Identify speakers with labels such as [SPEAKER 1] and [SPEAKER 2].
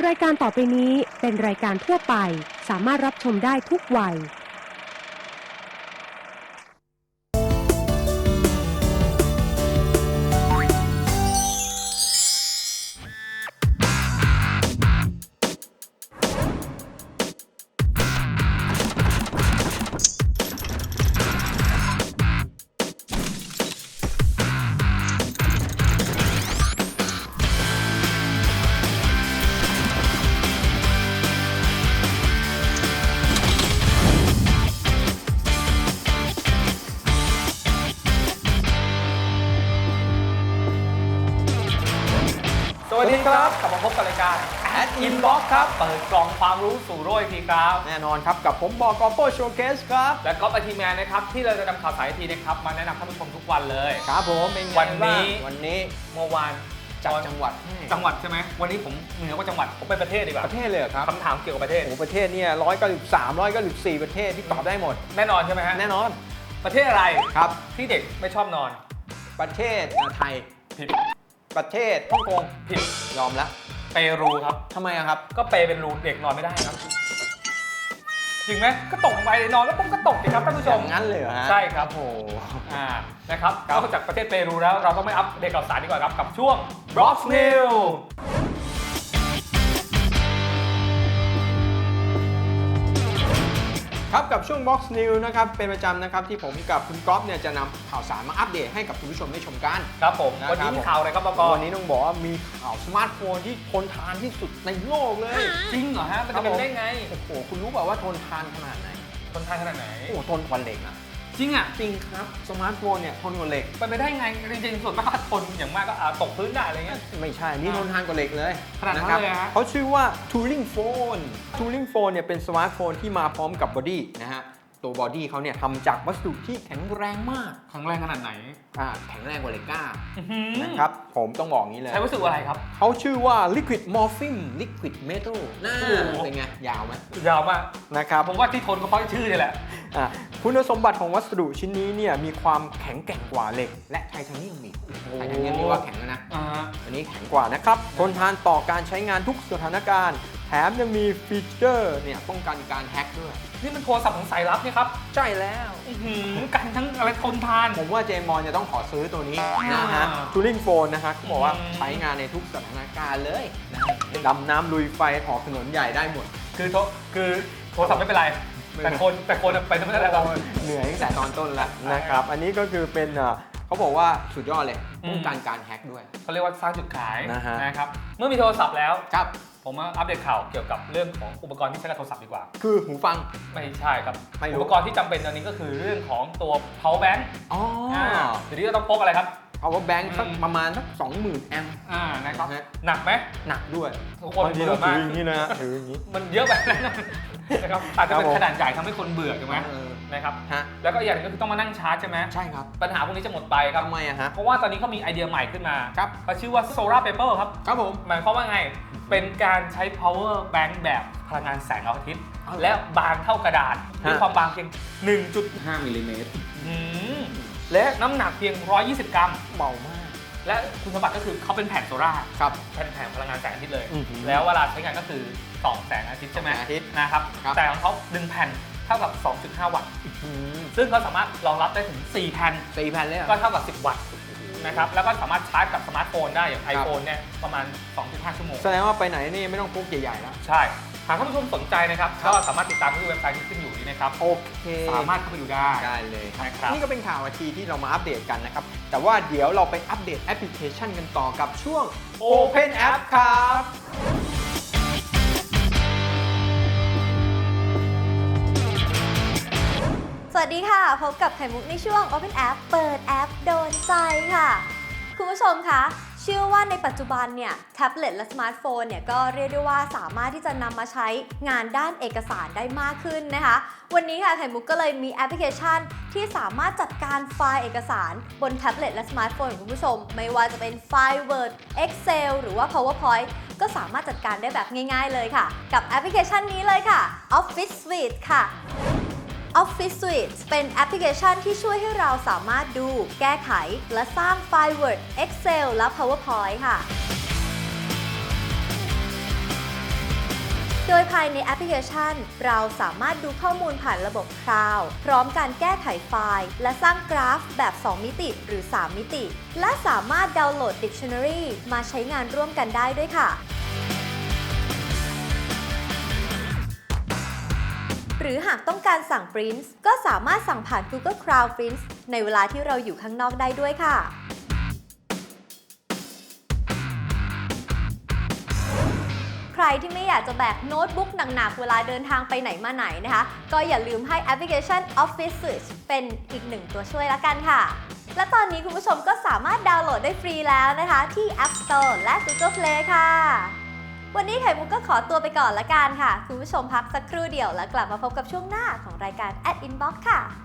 [SPEAKER 1] รายการต่อไปนี้เป็นรายการทั่วไปสามารถรับชมได้ทุกวัย
[SPEAKER 2] สวัสดีครับกลับมาพบกับรายการ Ad Inbox ครับเปิดกล่องความรู้สู่โลกอีกทีครับ
[SPEAKER 3] แน่นอนครับกับผมบอกอโป้โชว์เคสครับ
[SPEAKER 2] และก๊อฟไอทีแมนนะครับที่เราจะนำข่าวสารไอทีนะครับมาแนะนำท่านผู้ชมทุกวันเลย
[SPEAKER 3] ครับผมเป็นไง
[SPEAKER 2] วันนี้
[SPEAKER 3] เมื่อวานจากจังหวัด
[SPEAKER 2] ใช่ไหมวันนี้ผมเหนือกว่าจังหวัดผมไปประเทศดีกว่า
[SPEAKER 3] ประเทศเลยครับ
[SPEAKER 2] คำถามเกี่ยวกับประเทศ
[SPEAKER 3] โอ้ประเทศเนี่ย193 194ประเทศที่ตอบได้หมด
[SPEAKER 2] แน่นอนใช่ไหมฮะ
[SPEAKER 3] แน่นอน
[SPEAKER 2] ประเทศอะไร
[SPEAKER 3] ครับ
[SPEAKER 2] ที่เด็กไม่ชอบนอน
[SPEAKER 3] ประเทศไทย
[SPEAKER 2] ผิด
[SPEAKER 3] ประเทศฮ่องกง
[SPEAKER 2] ผิด
[SPEAKER 3] ยอมแล้ว
[SPEAKER 2] เปรูครับ
[SPEAKER 3] ทำไมครับ
[SPEAKER 2] ก็เปเป็นรูเด็กนอนไม่ได้ครับจริงไหมก็ตกไปนอนแล้วปุ๊บก็ตกสิครับท่านผู้ชม
[SPEAKER 3] อย่างนั้นเลยเหรอฮะ
[SPEAKER 2] ใช่ครับ
[SPEAKER 3] โอ้
[SPEAKER 2] นะครับนอกจากประเทศเปรูแล้วเราต้องไม่อัปเดตข่าวสารดีกว่าครับกับช่วง Box News
[SPEAKER 3] ครับกับช่วง Box News นะครับเป็นประจำนะครับที่ผมกับคุณก๊อฟเนี่ยจะนำข่าวสารมาอัปเดตให้กับคุณผู้ชมได้ชมกัน
[SPEAKER 2] ครับผมวันนี้มีข่าวอะไรครับบก.
[SPEAKER 3] วันนี้ต้องบอกว่ามีข่าวสมาร์ทโฟนที่ทนทานที่สุดในโลกเลย
[SPEAKER 2] จริงเหรอฮะมันจะเป็นได้ไง
[SPEAKER 3] โอ้โหคุณรู้เปล่าว่าทนทานขนาดไหน
[SPEAKER 2] ทนทานขนาดไหน
[SPEAKER 3] โอ้ทนกว่าเหล็กอ่ะ
[SPEAKER 2] จริงอ่ะ
[SPEAKER 3] จริงครับสมาร์ทโฟนเนี่ยทนกว่าเหล็ก
[SPEAKER 2] ไปได้ไงจริงๆส่วนมากทนอย่างมากก็ตกพื้นได้อะไรเงี้ย
[SPEAKER 3] ไม่ใช่นี่ทนทานกว่าเหล็กเลย
[SPEAKER 2] ขนาดนั้นเลยฮะ
[SPEAKER 3] เขาชื่อว่า Turing Phone Turing Phone เนี่ยเป็นสมาร์ทโฟนที่มาพร้อมกับบอดี้นะฮะตัวบอดี้เขาเนี่ยทำจากวัสดุที่แข็งแรงมาก
[SPEAKER 2] แข็งแรงขนาดไหน
[SPEAKER 3] แข็งแรงกว่าเหล็กกล้านะครับผมต้องบอกงี้เลย
[SPEAKER 2] ใช้วัสดุอะไรครับ
[SPEAKER 3] เขาชื่อว่า Liquid Morphing Liquid Metal น่าเป็นไงยาวไหม
[SPEAKER 2] ยาวมาก
[SPEAKER 3] นะครับ
[SPEAKER 2] ผมว่าที่ทนก็เพราะชื่อนี่แหละ
[SPEAKER 3] คุณสมบัติของวัสดุชิ้นนี้เนี่ยมีความแข็งแกร่งกว่าเหล็กและไทเทเนียมอีกไทเทเนียมนี่ว่าแข็งแล้วนะอันนี้แข็งกว่านะครับทนทานต่อการใช้งานทุกสถานการณ์แถมยังมีฟีเจอร์เนี่ยป้องกันการแฮ็กด้วย
[SPEAKER 2] นี่มันโทรศัพท์ของสายลับนี่ครับ
[SPEAKER 3] ใช่แล้ว
[SPEAKER 2] กันทั้งอะไรทนทาน
[SPEAKER 3] ผมว่าเจมอนจะต้องขอซื้อตัวนี้นะฮะ Turing Phone นะฮะเขาบอกว่าใช้งานในทุกสถานการณ์เลยดำน้ำลุยไฟถอดถนนใหญ่ได้หมด
[SPEAKER 2] คือโทรศัพท์ไม่เป็นไรแต่คนไปไม่ได้แล้ว
[SPEAKER 3] เหนื่อยตั้งแต่ตอนต้นแล้วนะครับอันนี้ก็คือเป็นเขาบอกว่าสุดยอดเลยป้องกันการแฮ็กด้วย
[SPEAKER 2] เขาเรียกว่าสร้างจุดขายนะครับเมื่อมีโทรศัพท์แล้ว
[SPEAKER 3] ครับ
[SPEAKER 2] ผมมาอัปเดตข่าวเกี่ยวกับเรื่องของอุปกรณ์ที่ใช้กับโทรศัพท์ดีกว่า
[SPEAKER 3] คือหูฟัง
[SPEAKER 2] ไม่ใช่ครับอุปกรณ์ที่จำเป็นตอนนี้ก็คือเรื่องของตัว power bank ทีนี้เราต้องพกอะไรครับ
[SPEAKER 3] power bank สักประมาณสัก 20,000 แอมป์
[SPEAKER 2] นะครับหนักไหม
[SPEAKER 3] หนักด้วย
[SPEAKER 2] ทุกคนเบื่อมาก
[SPEAKER 3] อย่างนี้นะถืออย่างนี้
[SPEAKER 2] มันเยอะไปนะครับอาจจะเป็นขนาดใหญ่ทำให้คนเบื่อถูกไหมนะครับแล้วก็อย่างนึงก็คือต้องมานั่งชาร์จใช่ไหม
[SPEAKER 3] ใช่ครับ
[SPEAKER 2] ปัญหาพวกนี้จะหมดไปครับ
[SPEAKER 3] ทำไมฮะ
[SPEAKER 2] เพราะว่าตอนนี้เขามีไอเดียใหม่ขึ้นมา
[SPEAKER 3] ครับ
[SPEAKER 2] เขาชื่อว่า Solar Paper ครับ
[SPEAKER 3] ครับผม
[SPEAKER 2] หมายความว่าไงเป็นการใช้ power bank แบบพลังงานแสงอาทิตย์และบางเท่ากระดาษด้วยความบางเพียง 1.5 มิลลิเมตรและน้ำหนักเพียง 120 กรัม
[SPEAKER 3] เบามาก
[SPEAKER 2] และคุณสมบัติก็คือเขาเป็นแผ่นโซล่า
[SPEAKER 3] ครับ
[SPEAKER 2] แผ่นพลังงานแสงอาทิตย์เลยแล้วเวลาใช้งานก็คือส่องแสงอาทิตย์ใช่ไหมนะครับแต่ของเขา1แผ่นเท่ากับ 2.5 วัตต์ซึ่งเขาสามารถรองรับได้ถึง4แผ่น
[SPEAKER 3] เลย
[SPEAKER 2] ก็เท่ากับ10 วัตต์นะครับแล้วก็สามารถชาร์จกับสมาร์ทโฟนได้อย่าง iPhone เนี่ยประมาณ 2.5 ชั่วโมง
[SPEAKER 3] แสดงว่าไปไหนนี่ไม่ต้องพกใหญ่ๆแล้ว
[SPEAKER 2] ใช่หากท่านผู้ชมสนใจนะครับก็สามารถติดตามที่เว็บไซต์ที่ขึ้นอยู่นี้นะครับ
[SPEAKER 3] โอเค
[SPEAKER 2] สามารถเข้าไปดูได้
[SPEAKER 3] เลย
[SPEAKER 2] นะครับ
[SPEAKER 3] นี่ก็เป็นข่าวทีที่เรามาอัปเดตกันนะครับแต่ว่าเดี๋ยวเราไปอัปเดตแอปพลิเคชันกันต่อกับช่วง Open App ครับ
[SPEAKER 4] สวัสดีค่ะพบกับไข่มุกในช่วง Open App เปิดแอปโดนใจค่ะคุณผู้ชมคะเชื่อว่าในปัจจุบันเนี่ยแท็บเล็ตและสมาร์ทโฟนเนี่ยก็เรียกได้ว่าสามารถที่จะนำมาใช้งานด้านเอกสารได้มากขึ้นนะคะวันนี้ค่ะไข่มุกก็เลยมีแอปพลิเคชันที่สามารถจัดการไฟล์เอกสารบนแท็บเล็ตและสมาร์ทโฟนของคุณผู้ชมไม่ว่าจะเป็นไฟล์ Word Excel หรือว่า PowerPoint ก็สามารถจัดการได้แบบง่ายๆเลยค่ะกับแอปพลิเคชันนี้เลยค่ะ Office Suite ค่ะOffice Suite เป็นแอปพลิเคชันที่ช่วยให้เราสามารถดูแก้ไขและสร้างไฟล์ Word Excel และ PowerPoint ค่ะโดยภายในแอปพลิเคชันเราสามารถดูข้อมูลผ่านระบบ Cloud พร้อมการแก้ไขไฟล์และสร้างกราฟแบบ 2 มิติหรือ 3 มิติ และสามารถดาวน์โหลด Dictionary มาใช้งานร่วมกันได้ด้วยค่ะ หรือหากต้องการสั่ง Print ก็สามารถสั่งผ่าน Google Cloud Print ในเวลาที่เราอยู่ข้างนอกได้ด้วยค่ะ ใครที่ไม่อยากจะแบกโน้ตบุ๊กหนักๆเวลาเดินทางไปไหนมาไหนนะคะ ก็อย่าลืมให้แอปพลิเคชัน Office Switch เป็นอีกหนึ่งตัวช่วยละกันค่ะ และตอนนี้คุณผู้ชมก็สามารถดาวน์โหลดได้ฟรีแล้วนะคะที่ App Store และ Google Play ค่ะ วันนี้ไข่มุกก็ขอตัวไปก่อนละกันค่ะ คุณผู้ชมพักสักครู่เดียวแล้วกลับมาพบกับช่วงหน้าของรายการ Inbox ค่ะ